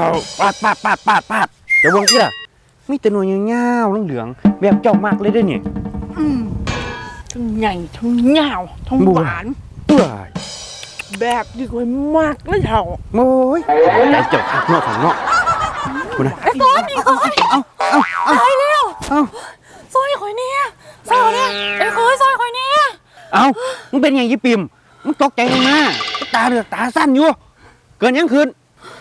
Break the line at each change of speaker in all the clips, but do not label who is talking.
ปาดเดี๋ยวเบิ่งที่ล่ะมีแต่หน่วยยาวๆเหลืองๆแบบเจ้ามากเลยได้เนี่ย
ทั้งใหญ่ทั้งยาวทั้งหวานแบบดีกว่ามากเลยเถ่า
โอ้ยใจเจ้าข้างนอกข้างนอกคุณนะ
ไอ้ต้นนี่เคยตายแล้วซอยข่อยเนี่ยซอยเนี่ยไอ้เคยซอยข่อยเนี่ย
มึงเป็นอย่างยี่ปิ่มมึงตกใจลงมาตาเหลือกตาสั้นอยู่เกินยังคืน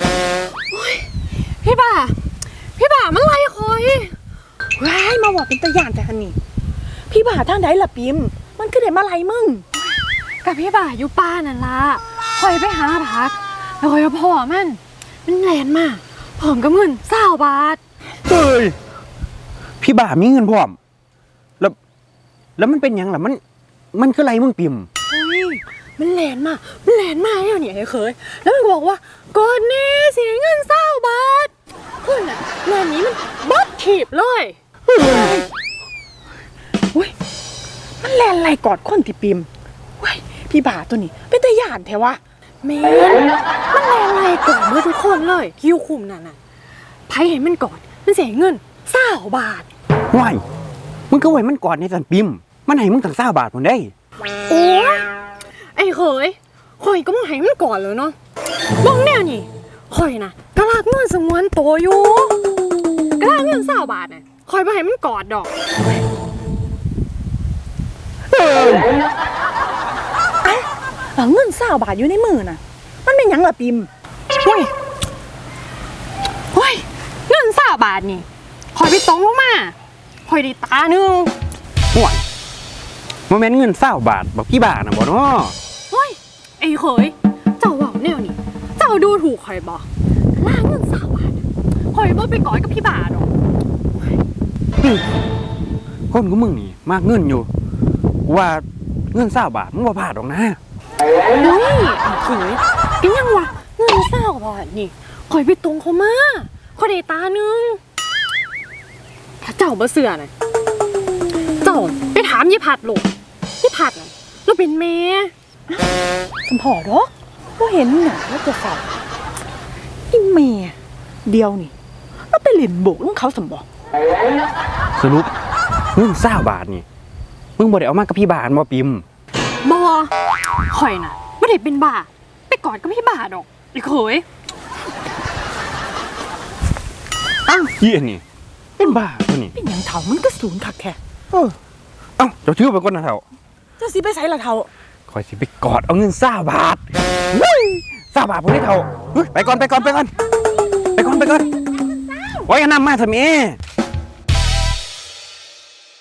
พี่บ่ามันไล่คอยว้ายมาบอกเป็นตะย่านแต่คันนี้พี่บ่าทางใดล่ะปิมมันคือเด็มาไล่มึง
กับพี่บ่าอยู่ป้านั่นล่ะคอยไปหาพักแล้วคอยพ่อมันแลนมากผอมกับเงิน20 บาท
เฮ้ยพี่บ่ามีเงินพร้อมแล้วมันเป็นยังล่ะมันคืออะไรมึงปิ่ม
เฮ้ยมันแลนมากเนี่ยไอ้เคยแล้วมันบอกว่าก่อนนี้เสียเงิน20 บาทคุณน่ะแลนนี้มันบัดถีบเลยอุ้ยมันแลนไรกอดคนที่ปิมว้ยพี่บ่าตัวนี้เป็นตะย่านแท้วะ
แม่มันแลนไรก่อนเมื่อทุกคนเลยคิวคุมนั่นน่ะไผเห็นมันก่อนมันเสียเงิน20 บาท
ว้ายมึงก็ไว้มันก่อนในสันปิ่มมันให้มึงตั้ง20 บาทมันได้
โอ้ยไอ้เคยข่อยก็มาให้มันก่อนเลยเนาะบ้องแน่นี่ข่อยนะกระลากเงินสงวนตัวอยู่กระลากเงิน20 บาทน่ะข่อยไปให้มันกอดดอก
เงิน20 บาทอยู่ในมือน่ะมันเป็นหยังล่ะปิม
เฮ้ยเงิน20 บาทนี่ข่อยไปตรงลงมาข่อยได้ตาหนึ่ง
ห่วยโมเมนต์เงิน20 บาทบอกพี่บ่านะบ่เนาะ
เฮ้ยไอ้เคยเจ้าว่าแนวนี่เจ้าดูถูกข่อยบ่ล่าเงิน20 บาทข่อยบ่ไปกอดกับพี่บ่าดอก
คนของมึงนี่มากเงินอยู่ว่าเงิน20 บาทมึงบ่พลาดหรอกนะ
เฮ้ยไอ้เคยเป็นยังวะเงิน20 บาทนี่ข่อยไปตรงเขามาข่อยได้ตาหนึ่งถ้าเจ้าบ่เชื่อน่ะเจ้าไปถามยี่ผัดโหลดยี่ผัดน่ะเราเป็นแม่
สมพอดอกก็เห็นหนักแล้วจะใส่อีเมียเดียวนี่แล้วไปเล่นโบกลุงเขาสมบอก
สรุปเงิน20 บาทนี่มึงบ่ได้เอามากับพี่บ่าบ่ปิ่ม
บ่ข่อยน่ะบ่ได้เป็นบ้าไปกอดกับพี่บ่าดอกไอ้เคย
เหี้ยนี่เป็นบ้าตัวนี้
เป็นหยังเถ่ามันก็สูงคักแค่
เจ้าชื่อเป็นคนนะเถ่า
เจ้าสิไปใส่ละเถ่า
คอยสิไปกอดเอาเงิน20 บาท20 บาทพวกนี้เถ่าไปก่อนไว้กันนำมาทำไม